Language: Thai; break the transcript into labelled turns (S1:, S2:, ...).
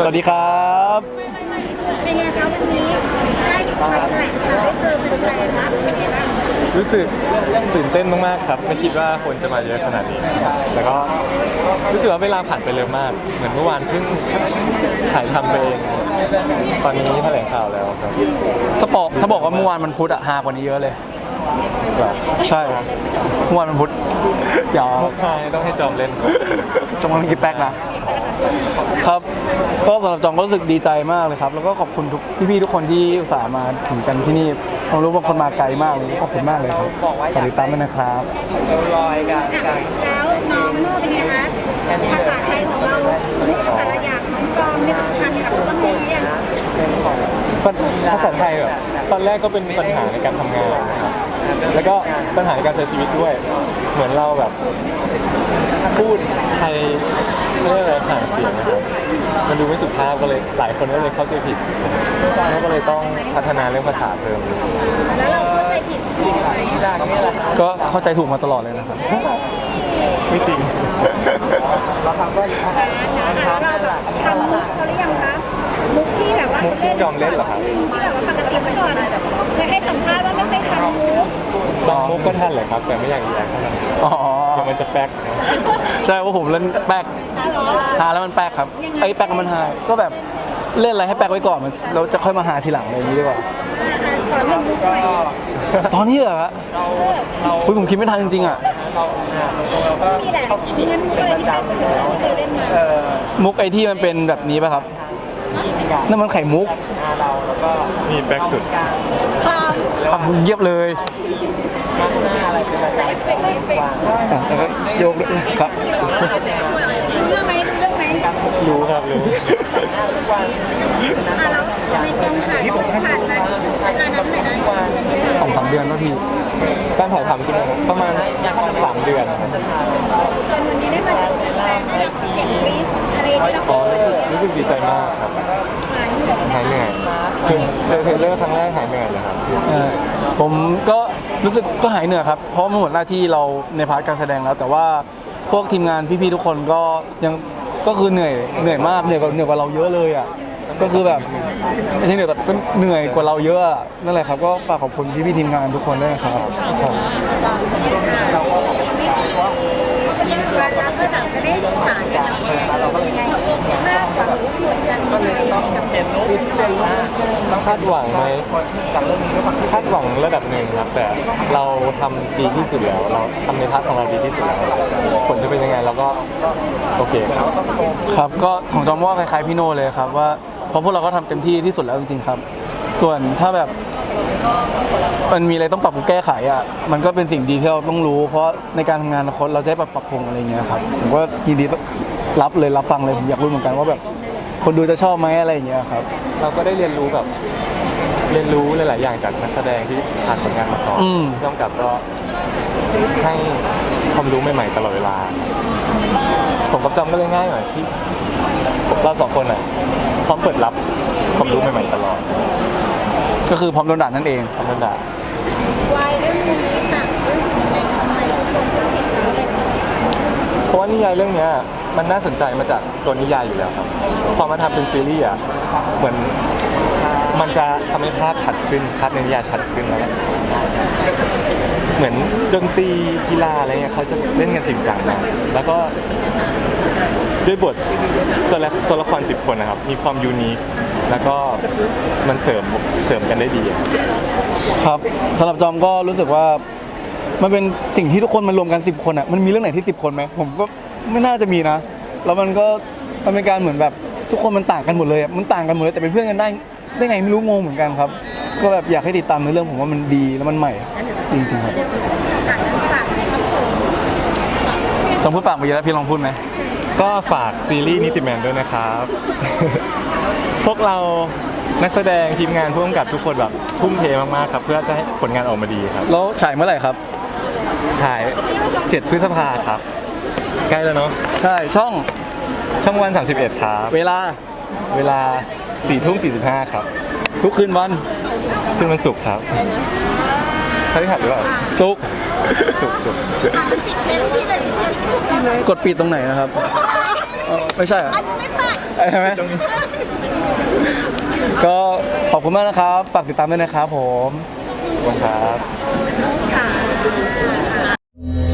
S1: สวัสดีครับ
S2: เป็นไงครับวันนี้ได้แถลงข่าวได้เจอเป็นใครนะเป็นไงบ้าง
S3: รู้สึกตื่นเต้นมากๆครับไม่คิดว่าคนจะมาเยอะขนาดนี้แต่ก็รู้สึกว่าเวลาผ่านไปเร็วมากเหมือนเมื่อวานเพิ่งถ่ายทำไปเองตอนนี้แถลงข่าวแล้วครับ
S1: ถ้าบอกว่าเมื่อวานมันพุธอะฮากว่านี้เยอะเลย
S3: แบบ
S1: ใช่เมื่อวานมันพุธอย่า
S3: มุกพายต้องให้จอมเล่นครับ
S1: จงมันกินแป๊กนะครับก็สำหรับจองก็รู้สึกดีใจมากเลยครับแล้วก็ขอบคุณทุกพี่ๆทุกคนที่อุตส่าห์มาถึงกันที่นี่ผมรู้ว่าคนมาไกลมากเลยขอบคุณมากเลยครับฝากติดตามด้วยนะครับ
S2: แล้วน้องโน่เป็นไงคะภาษาไทยของเรานึกแต่ละอย่างน้องจอมนึกทันกับเรื่องนี้ยัง
S3: ภาษาไทยแบบตอนแรกก็เป็นปัญหาในการทำงานนะครับแล้วก็ปัญหาในการใช้ชีวิตด้วยเหมือนเราแบบพูดไทยไม่ได้อะไรห่างเสียงนะครับมันดูไม่สุภาพก็เลยหลายคนก็เลยเข้าใจผิดแล้วก็เลยต้องพัฒนาเรื่องภาษาเพิ่ม
S2: แล้วเราเข้าใจผิดที่ไหน
S1: ก็เข้าใจถูกมาตลอดเลยนะครับ
S3: ไม่จริง
S2: เราทำมุกเขาหรือยังคะมุกที่แบบว่า
S3: มุกที่จอมเล่นเหรอครับ
S2: ที่แบบว่าปกติเมื่อก่อนเคยให้สัมภาษณ์ว่าไม่เคยทันมุก
S3: บางมุกก็ทันเลยครับ แต่ไม่อยากแย่เท่าไหร่
S1: อ๋อ
S3: เดี๋ยวมันจะแป๊กนะ
S1: ใช่ว่าผมเล่นแป๊กหาแล้วมันแป๊กครับไอ้แป๊กมันหาก็แบบเล่นอะไรให้แป๊กไว้ก่อนเราจะค่อยมาหาทีหลังอะไรอย่างนี้ดีกว่า
S2: ขอหนึ่งมุกหน่อย
S1: ตอนนี้เหรอครับผมคิดไม่ทันจริงๆอ่ะ
S2: มีแหละงั้นมุกอะไรที่เป็นสุดที่เคยเล่นมา
S1: มุกไอที่มันเป็นแบบนี้ป่ะครับนั่นมันไข่มุก
S3: นี่แป๊กสุด
S1: ปักเยียบเลยแล้วก็โยกด้วยครับ
S2: รู้เรื่องไหมรู้เรื่องไหม
S3: รู้ครับรู้
S2: แล้วในกองถ่ายผ่านมาใช้เวลานานเท่าไหร่นะ
S1: 2-3 เดือนแล้วพี่
S3: การถ่ายทำใช่ไหมครับประมาณ3 เดือนครับ
S2: จนวันนี้ได้มาเจอแฟนๆได้รับเสียงกรี๊ดอะไรที่เรา
S3: อ๋อรู้สึกดีใจมากครับหายเหนื่อยเจอเทรลเลอร์ครั้งแรกหายเหนื่อยเลยครับ
S1: ผมก็รู้สึกก็หายเหนื่อยครับเพราะมันหมดหน้าที่เราในพาร์ทการแสดงแล้ว แต่ว่าพวกทีมงานพี่ๆทุกคนก็ยังก็คือเหนื่อยมากเหนื่อยกว่าเราเยอะเลยอ่ะก็คือแบบไม่ใช่เหนื่อยแต่ก็เหนื่อยกว่าเราเยอะอะนั่นแหละครับก็ฝากขอบคุณพี่ๆทีมงานทุกคนด้วยนะครับครับ
S2: แล้วก็หลังจะได้ฉายกันแล้วเป็นยังไงคาดหวังว่าควรกันยังไงกับเป็นลูก
S3: คาดหวังไหมคาดหวังระดับหนึ่งครับ แต่เราทำดีที่สุดแล้ว เราทำในพาร์ทของเราดีที่สุดแล้วผลจะเป็นยังไงเราก็โอเคครับ
S1: ครับก็ของจอมว่าคล้ายๆพี่โน่เลยครับว่าเพราะพวกเราก็ทำเต็มที่ที่สุดแล้วจริงๆครับ ส่วนถ้าแบบมันมีอะไรต้องปรับปรุงแก้ไขอ่ะมันก็เป็นสิ่งดีที่เราต้องรู้ เพราะในการทำงานอนาคตเราจะได้ปรับปรุงอะไรอย่างเงี้ยครับผมก็ยินดีรับฟังเลยผมอยากรู้เหมือนกันว่าแบบคนดูจะชอบไหมอะไรอย่างเงี้ยครับ
S3: เราก็ได้เรียนรู้หลายๆอย่างจากนักแสดงที่ผ่านผลงานมาก่อนร่วมกับก็ให้ความรู้ใหม่ๆตลอดเวลา ผมกับจอมก็เลยง่ายหน่อยที่เราสองคนอ่ะพร้อมเปิดรับความรู้ใหม่ๆตลอด
S1: ก็คือพร้อมโดนด่านั่นเอง
S3: ธรรมดา
S2: วายเรื่องนี้ค่ะเรื่องนี้ทำไมทุกคนถึงติดแล้วเลย
S3: เพราะว่านิยายเรื่องเนี้ยมันน่าสนใจมาจากตัวนิยายอยู่แล้วครับพอมาทำเป็นซีรีส์อ่ะเหมือนมันจะทำให้ภาพชัดขึ้นภาพในนิยายชัดขึ้นแล้วเหมือนดนตรีกีฬาอะไรเงี้ยเขาจะเล่นกันจริงจังนะแล้วก็ด้วยบทตัวละคร10 คนนะครับมีความยูนิคแล้วก็มันเสริมกันได้ดี
S1: ครับสำหรับจอมก็รู้สึกว่ามันเป็นสิ่งที่ทุกคนมารวมกัน10 คนอ่ะมันมีเรื่องไหนที่10 คนไหมผมก็ไม่น่าจะมีนะแล้วมันเป็นการเหมือนแบบทุกคนมันต่างกันหมดเลยอ่ะมันต่างกันหมดเลยแต่เป็นเพื่อนกันได้ไงไม่รู้งงเหมือนกันครับก็แบบอยากให้ติดตามในเรื่องผมว่ามันดีแล้วมันใหม่จริงๆครับจอมพูดฝากไปเยอะแล้วพี่ลองพูดไหม
S3: ก็ฝากซีรีส์นิติแมนด้วยนะครับ พวกเรานักแสดงทีมงานผู้กำกับทุกคนแบบทุ่มเทมากๆครับเพื่อจะให้ผลงานออกมาดีครับ
S1: แล้วฉายเมื่อไหร่ครับ
S3: ฉาย7 พฤษภาครับใกล้แล้วเนาะ
S1: ใช่ช่อง
S3: วัน31ครับ
S1: เวลา
S3: เวลา 4:45 ครับ
S1: ทุกคืนวัน
S3: ขึ้นวันศุกร์ครับพฤหัสหรือเปล่า
S1: ศุกร์
S3: ศุกร์
S1: กดปิดตรงไหนนะครับไม่ใช่เหรอใช่ไหมก็ขอบคุณมากนะครับ ฝากติดตามด้วยนะครับผม
S3: ขอบคุณครับ
S2: ค่ะ